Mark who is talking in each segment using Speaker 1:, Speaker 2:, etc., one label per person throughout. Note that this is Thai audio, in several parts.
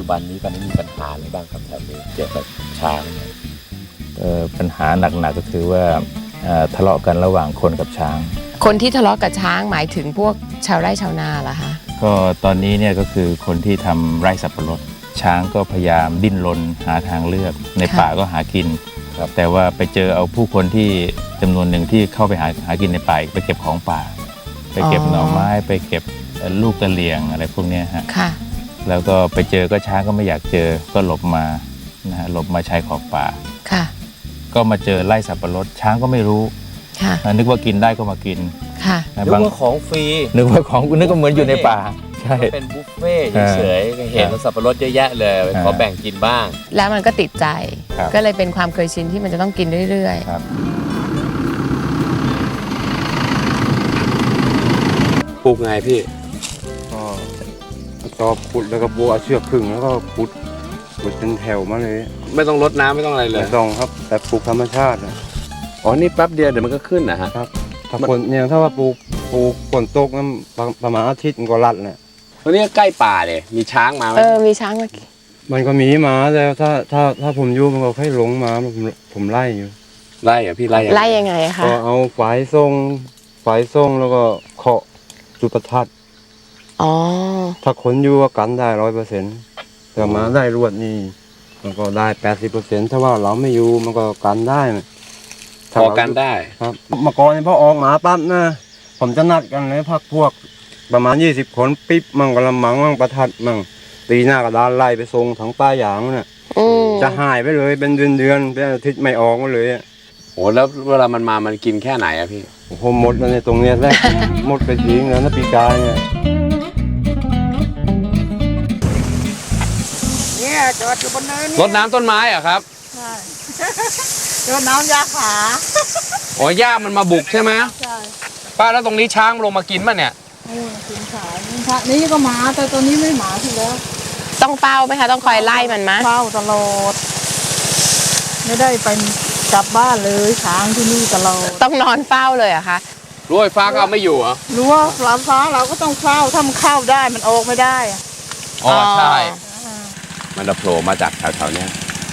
Speaker 1: บันนี้ตอนนี้มีปัญหาอะไรบ้างครับแถวนี้เกี่ยวกับช้าง
Speaker 2: ปัญหาหนักๆก็คือว่าทะเลาะกันระหว่างคนกับช้าง
Speaker 3: คนที่ทะเลาะกับช้างหมายถึงพวกชาวไร่ชาวนาเหรอคะ
Speaker 2: ก็ตอนนี้เนี่ยก็คือคนที่ทำไร่สับปะรดช้างก็พยายามดิ้นรนหาทางเลือกในป่าก็หากินแต่ว่าไปเจอเอาผู้คนที่จำนวนหนึ่งที่เข้าไปหากินในป่าไปเก็บของป่าไปเก็บหน่อไม้ไปเก็บลูกกระเหลี่ยงอะไรพวกนี้ฮะแล้วก็ไปเจอก็ช้างก็ไม่อยากเจอก็หลบมานะฮะหลบมาชายขอบป่าก็มาเจอไร่สับปะรดช้างก็ไม่รู้นึกว่ากินได้ก็มากิน
Speaker 1: นึกว่าของฟรี
Speaker 2: นึกว่าเหมือนอยู่ในป่าใช่
Speaker 1: เป็นบุฟเฟ่เฉยๆเห็นสับปะรดเยอะแยะเลยขอแบ่งกินบ้าง
Speaker 3: แล้วมันก็ติดใจก็เลยเป็นความเคยชินที่มันจะต้องกินเรื่อยๆ
Speaker 1: ปลูกไงพี่
Speaker 4: ก็ตอขุดแล้วก็บัวเชือกขึงแล้วก็ขุดเป็นแถวมาเลย
Speaker 1: ไม่ต้องรดน้ำไม่ต้องอะไรเลย
Speaker 4: ไม่ต้องครับแต่ปลูกธรรมชาติ
Speaker 1: อ๋อนี่แป๊บเดียวเดี๋ยวมันก็ขึ้นนะฮะ
Speaker 4: ครับถ้าฝนเนี่ยถ้าว่าปลูกฝนตกนั้นประมาณอาทิตย์มันก็รัดเนี่ย
Speaker 1: วันนี้ใกล้ป่าเลยมีช้างมาไหม
Speaker 3: มีช้างมา
Speaker 4: มันก็มีมาแล้วถ้าผมอยู่มันก็ค่อยหลงมาผมไล่อยู่
Speaker 1: ไล่อะพี่ไล่
Speaker 3: ยังไงคะ
Speaker 4: ก็เอาฝายส่งแล้วก็เคาะจุดประทัดถ้าขนอยู่ก็กันได้100%แต่มาได้รวดนี่มันก็ได้80%ถ้าว่าเราไม่อยู่มันก็กันได้
Speaker 1: พอกันได้
Speaker 4: ครับเมื่อก่อนพอออกหมาปั๊บนะผมจะนัดกันเลยพักพวกประมาณ20 คนปิ๊บมั่งกระมังมั่งประทัดมั่งตีหน้ากระดานไล่ไปส่งทั้งป้าหยางน่ะจะหายไปเลยเป็นเดือนเป็นอาทิตย์ไม่ออกมาเลย
Speaker 1: โอ้แล้วเวลามันมามันกินแค่ไหนอะพี่
Speaker 4: โอ้โหหมดแล้วในตรงเนี้ยแรกหมดไปทิ้งแล้วนะปีกายเนี่ย
Speaker 5: จอดอยู่บนเนิน
Speaker 1: รดน้ำต้นไม้อะครับ
Speaker 5: ใช่รดน้ำยาขา
Speaker 1: อ๋อหญ้ามันมาบุกใช่ไหม
Speaker 5: ใช่
Speaker 1: ป้าแล้วตรงนี้ช้างลงมากินป่ะเนี่ย
Speaker 5: กินขานี้ก็หมาแต่ตัวนี้ไม่หมาทีแล้ว
Speaker 3: ต้องเฝ้าไหมคะต้องคอยไล่มันไหม
Speaker 5: เฝ้าตลอดไม่ได้ไปกลับบ้านเลยช้างที่นี่ตลอด
Speaker 3: ต้องนอนเฝ้าเลยอะคะ
Speaker 1: รั้วไฟฟ้าก็ไม่อยู่เหรอ
Speaker 5: รั้วไฟฟ้าเราก็ต้องเฝ้าถ้ามันเข้าได้มันออกไม่ได้
Speaker 1: อ๋อใช่มันจะโผล่มาจากแถวๆนี้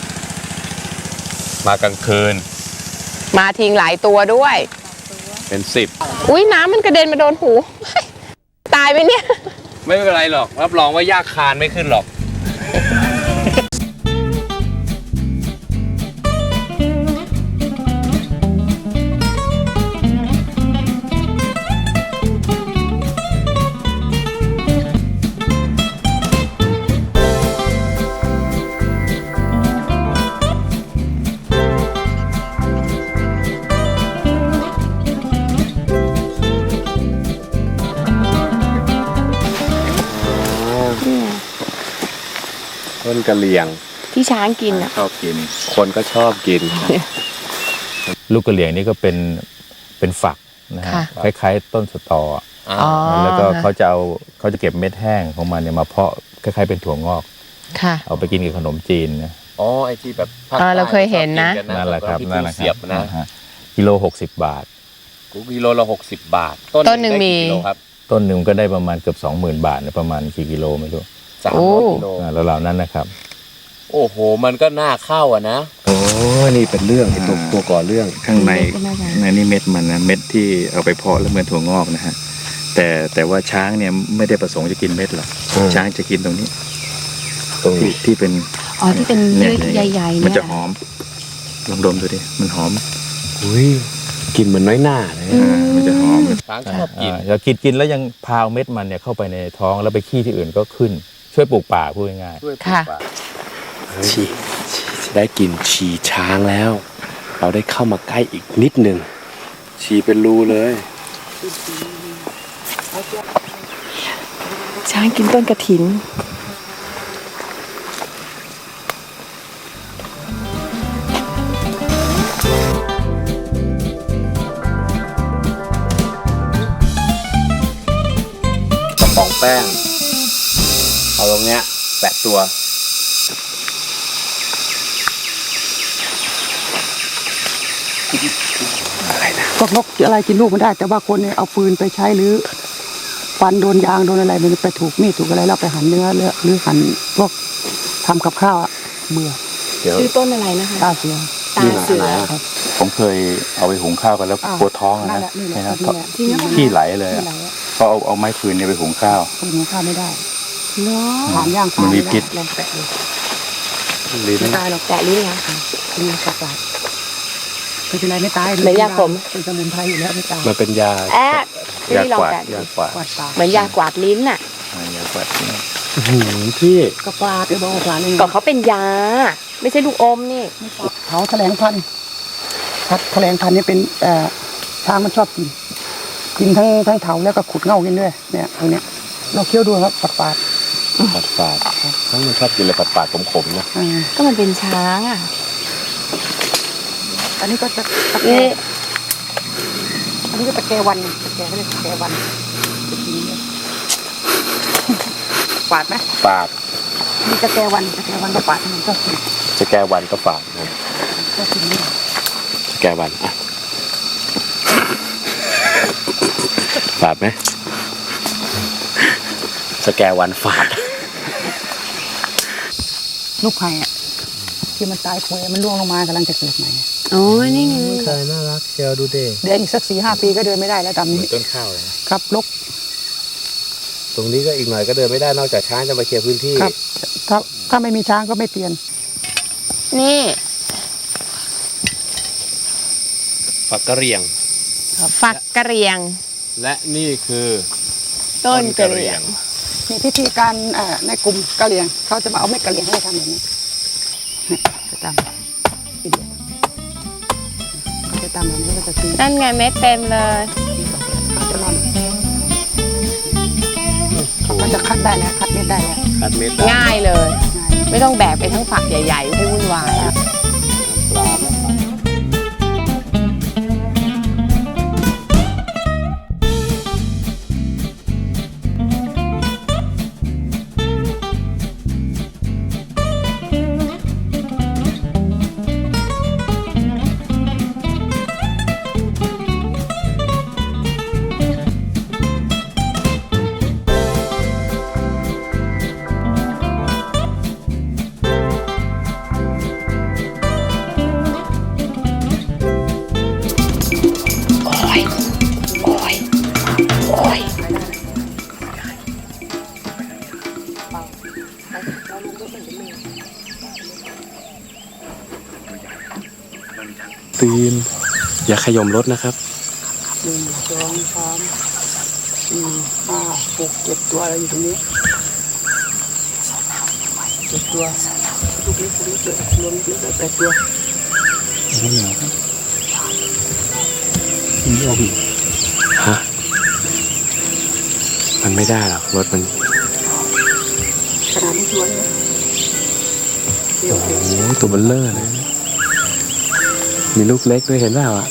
Speaker 1: มากลางคืน
Speaker 3: มาทิ้งหลายตัวด้วย
Speaker 1: เป็น10
Speaker 3: อุ้ยน้ำมันกระเด็นมาโดนหูตายไหมเนี่ย
Speaker 1: ไม่เป็นไรหรอกรับรองว่ายากคานไม่ขึ้นหรอกต้นกะเหรี่ยง
Speaker 3: ที่ช้างกินอ่ะ
Speaker 1: ชอบกินคนก็ชอบกิน
Speaker 2: ลูกกะเหรี่ยงนี่ก็เป็นฝักนะฮะคล้ายๆต้นสตอแล้วก็เขาจะเก็บเม็ดแห้งของมันเนี่ยมาเพาะคล้ายๆเป็นถั่วงอกเอาไปกินกับขนมจีนนะ
Speaker 1: อ๋อไอ้ที่แบบ
Speaker 3: เราเคยเห็นนะ
Speaker 2: นั่นแหละครับนั่นแหละครับกิโล60 บาท
Speaker 1: กิโลละ60 บาท
Speaker 3: ต้นหนึ่งมี
Speaker 2: ต้นหนึ่งก็ได้ประมาณเกือบ20,000 บาทประมาณกี่กิโลไม่รู้
Speaker 1: 300 กิโล
Speaker 2: แล้วเหล่านั้นนะครับ
Speaker 1: โอ้โหมันก็น่าเข้านะ
Speaker 2: โอ้นี่เป็นเรื่องตัวก่อเรื่องข้างในนี่เม็ดมันนะเม็ดที่เอาไปเพาะแล้วเหมือนถั่วงอกนะฮะแต่ว่าช้างเนี่ยไม่ได้ประสงค์จะกินเม็ดหรอกช้างจะกินตรงนี้ที่เป็น
Speaker 3: ที่เป็นเม็ดใหญ่ๆเนี่ย
Speaker 2: มันจะหอมลองดมดูดิมันหอม
Speaker 1: กินเหมือนน้อยหน้าเลย
Speaker 2: มันจะหอม
Speaker 1: ช้างชอบกิน
Speaker 2: แล้วกินแล้วยังพาเม็ดมันเนี่ยเข้าไปในท้องแล้วไปขี้ที่อื่นก็ขึ้นช่วยปลูกป่าพูดง่าย
Speaker 3: ๆค่ะ
Speaker 1: ฉีได้กินฉี่ช้างแล้วเราได้เข้ามาใกล้อีกนิดหนึ่งฉี่เป็นรูเลย
Speaker 3: ช้างกินต้นกระถิน
Speaker 1: กระป๋องแป้งเอาตรงเนี้ยแปะตัว
Speaker 5: ก็นกอะไรกินลูกไม่ได้แต่ว่าคนเนี่ยเอาฟืนไปใช้หรือฟันโดนยางโดนอะไรมันไปถูกมีดถูกอะไรแล้วไปหั่นเนื้อหรือหั่นพวกทำกับข้าวอะเบื่อ
Speaker 2: เดี๋ยว
Speaker 3: ชื่อต้นอะไรนะคะ
Speaker 5: ตาเสีย
Speaker 3: ตาเสือ
Speaker 2: ผมเคยเอาไปหุงข้าวกันแล้วปวดท้องอะ
Speaker 5: นั่น
Speaker 2: นะ
Speaker 5: แหละนี่แหละ
Speaker 2: นะ
Speaker 5: นี่แหละที่นี่
Speaker 2: ขี้ไหลเลยอะ
Speaker 5: ไหนอะ
Speaker 2: เขาเอาไม้ฟืนเนี่ยไปหุงข้าว
Speaker 5: คนหุงข้าวไม่ได้
Speaker 3: เนาะ
Speaker 5: ถามย่างปลา
Speaker 2: มันมีพิษ
Speaker 5: ลองแตะดู
Speaker 1: ลิ้น
Speaker 5: ไม่ตายหรอกแตะลิ้นนะเป็นยาสักหลาดไม่เป็นไรไม่ตาย
Speaker 3: เหมือนยาขม
Speaker 5: เป็นสมุนไพรอยู่แล้วไม่ตาย
Speaker 1: มันเป็นยา
Speaker 3: แอะพี่
Speaker 2: ยา
Speaker 3: ลอง
Speaker 2: กวาด
Speaker 3: แตะ
Speaker 2: ยากวาด
Speaker 5: กวาดปาก
Speaker 3: เหมือนยากวาดลิ้นน่ะ
Speaker 2: ยากวาด
Speaker 1: พี่
Speaker 5: ก็กวาดไปบอกกวาดเลย
Speaker 3: ก็เขาเป็นยา ไม่ใช่ลูกอมนี่
Speaker 5: เผาแถลงพันธุ์แถลงพันธุ์นี่เป็นช้างมันชอบกินทั้งเถาแล้วก็ขุดเง่ากินด้วยเนี่ยตรงเนี้ยเราเคี้ยวดูครับปาด
Speaker 1: ฝาดทั้งมันชอบกินอะไรฝาดๆขมๆนะ
Speaker 3: ก็มันเป็นช้างอ่ะ
Speaker 5: อันนี้ก็ตะแก
Speaker 3: นี่
Speaker 5: อันนี้ก็ตะแกวันตะแกเขาเรียกตะแกวันปาดไหม
Speaker 1: ฝาด
Speaker 5: มีตะแกวันก็ปาดมันก็กิน
Speaker 1: จะแก้วันก็ฝาดนะ
Speaker 5: ก็กินไม่ได้
Speaker 1: จะแก้วันอ่ะฝาดไหมจะแก้วันฝาด
Speaker 5: ลูกไผ่อะที่มันตายป่วยมันร่วงลงมากำลังจะเกิดใหม่
Speaker 3: โอ้ยนี่ไง
Speaker 1: เคยน่ารักเชียวดูเด็
Speaker 5: เดินอีกสัก4-5 ปีก็เดินไม่ได้แล้วตามนี้
Speaker 2: ต้นข้าวเลยนะครับ
Speaker 5: ลก
Speaker 1: ตรงนี้ก็อีกหน่อยก็เดินไม่ได้นอกจากช้างจะมาเคลียร์พื้นที่
Speaker 5: ครับถ้าไม่มีช้างก็ไม่เปลี่ยน
Speaker 3: นี่
Speaker 1: ฝักกระเหรี่ยง
Speaker 3: ฝักกระเหรียง
Speaker 1: และนี่คือ
Speaker 3: ต้นกระเหรียง
Speaker 5: มีพิธีการในกลุ่มกะเหรี่ยงเขาจะมาเอาเม็ดกะเหรี่ยงให้ทำแบบนี้จะตำทีเดียวเขาจะตำแบบนี้ก็จะตี
Speaker 3: นั่นไงเม็ดเต็มเลย
Speaker 5: เขาจะร่อนเขาก็จะคัดได้แล้วคัดเม็ดได้แล้ว
Speaker 1: คัดเม็ด
Speaker 3: ง่ายเลย
Speaker 5: ง่าย
Speaker 3: ไม่ต้องแบกไปทั้งฝักใหญ่ๆให้วุ่นวายอะ
Speaker 1: ปลาและปลา ตีนอย่าขยมรถนะครับ
Speaker 5: 1 2 3 4 5 6 7 ตัวอะไรอยู่ตรงนี้7 ตัวลูกเล็กรวมลูกเล็กได้8 ตัว
Speaker 1: ฮะ มันไม่ได้หรอกรถมัน
Speaker 5: ขนาดนี้สวยนะเดี๋ยว
Speaker 1: โอ้โหตัวเบลเลอร์เลย มีลูกเล็กด้วยเห็นเปล่าอ่ะ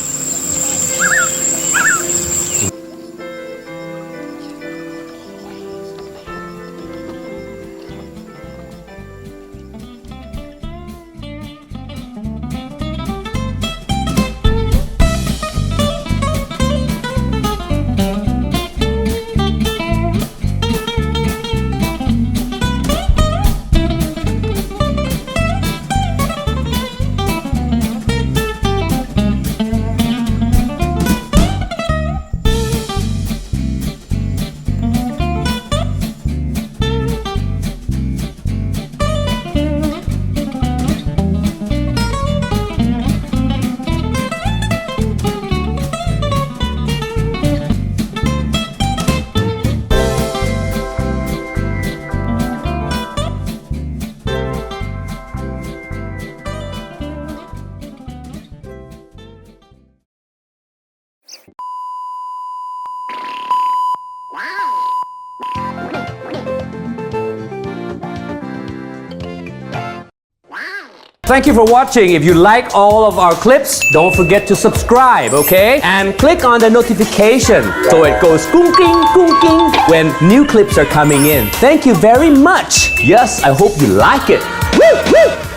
Speaker 6: Thank you for watching. If you like all of our clips, don't forget to subscribe, okay? And click on the notification so it goes gung king when new clips are coming in. Thank you very much. Yes, I hope you like it. Woo, woo.